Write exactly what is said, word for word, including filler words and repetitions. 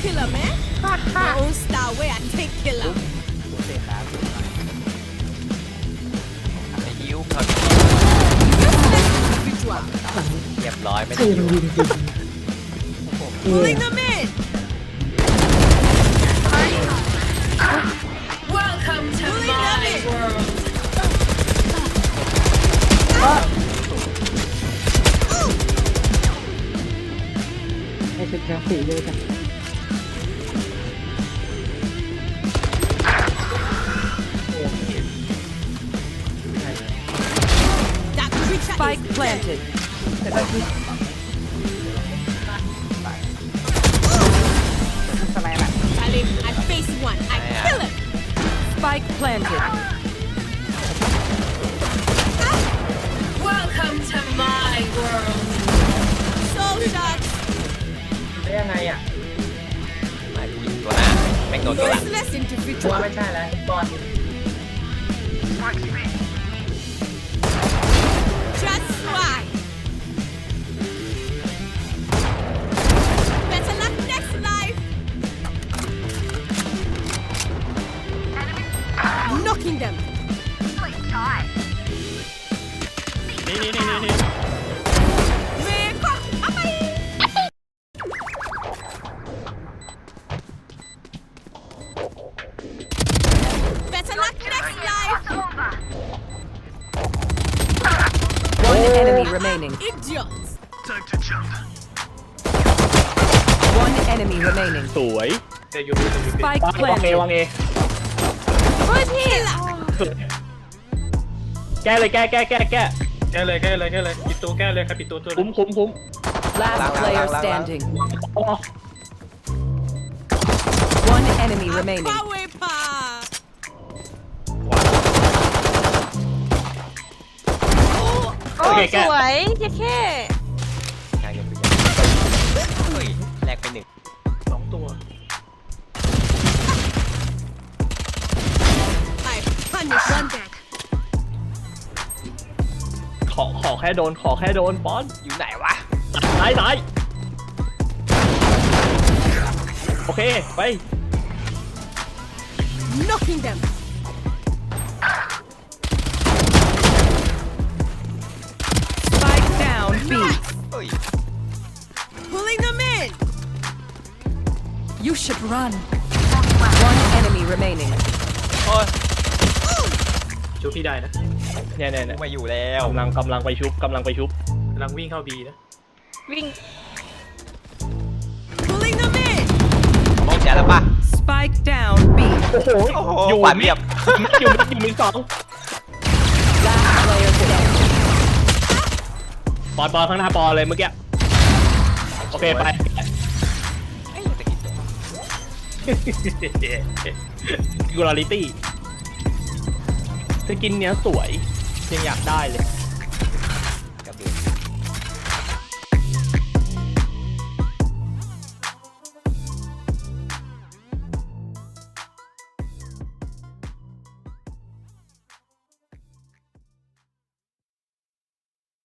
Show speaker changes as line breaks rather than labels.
killer, man. My own style way I take killer.
เตะขา
ไอ้ยิ้วเขา
Individual.
เรียบร้อยไม่
ใคร
ได้
มัน
ยิ้ว
ยิงจริง
Pulling them in.
Welcome to
Pulling
my
them in.
world.
ไอ้ชุดกราฟิกเลยจ้ะ
That creature
Spike
is dead.
planted.
Charlie, I face one. I kill him.
Spike planted.
Welcome to my world.
Soul shots.
ได้ยังไงอ่ะ
ไม่กูยิงตัวหน้าแม่งโดนตัวหลัง
Useless
ว่า
individual.
ไม่ใช่แล้วบอล
Just why. Better luck next life. Knocking them.
นี่นี่นี่นี่
Make up. Amai. Better luck next life.
One enemy remaining.
Idiots.
One enemy remaining.
สวยเดี๋ยวอยู่ดูตรงนี้
Spike
วางเอ
planted.
วางเอ
Killer.
แก้เลยแก้แก้แก้แก้แก้เลยแก้เลยแก้เลยปิดตัวแก้เลยครับปิดตัวตัวคุ้มคุ้มคุ้ม
Last
Lang, lang,
player
lang, lang,
standing.
อ๋อ
One enemy remaining.
Power pa.
โอเคแก้
สวยเจ๊แค่
งานยังไม่ยังเฮ้ยแลกไปหนึ่ง
สองตัว
I punish one back.
ขอขอแค่โดนขอแค่โดนบอล
อยู่ไหนวะ
ตายตายโอเคไป
Knocking them.
Spike down B.
เฮ้ย
Pulling them in.
You should run. One enemy remaining.
โอ้ย
ชุบพี่ได้นะเนี่ยเนี่ยเนี่ย
มาอยู่แล้ว
กำลังกำลังไปชุบกำลังไปชุบกำลังวิ่งเข้าบีนะ
วิ่ง
Pulling them in.
มองแชร์แล้วป่ะ
Spike down B.
โอ้โห
โอ้โห
อยู่
หวานเรียบ
อยู่อยู่มินสอง
Last player standing.
ปอนปอนข้างหน้าปอนเลยเมื่อกี้โอเคไป
เอ้ยตะกี้
กูลาลิตี้สกินเนี้ยสวยยังอยากได้เลย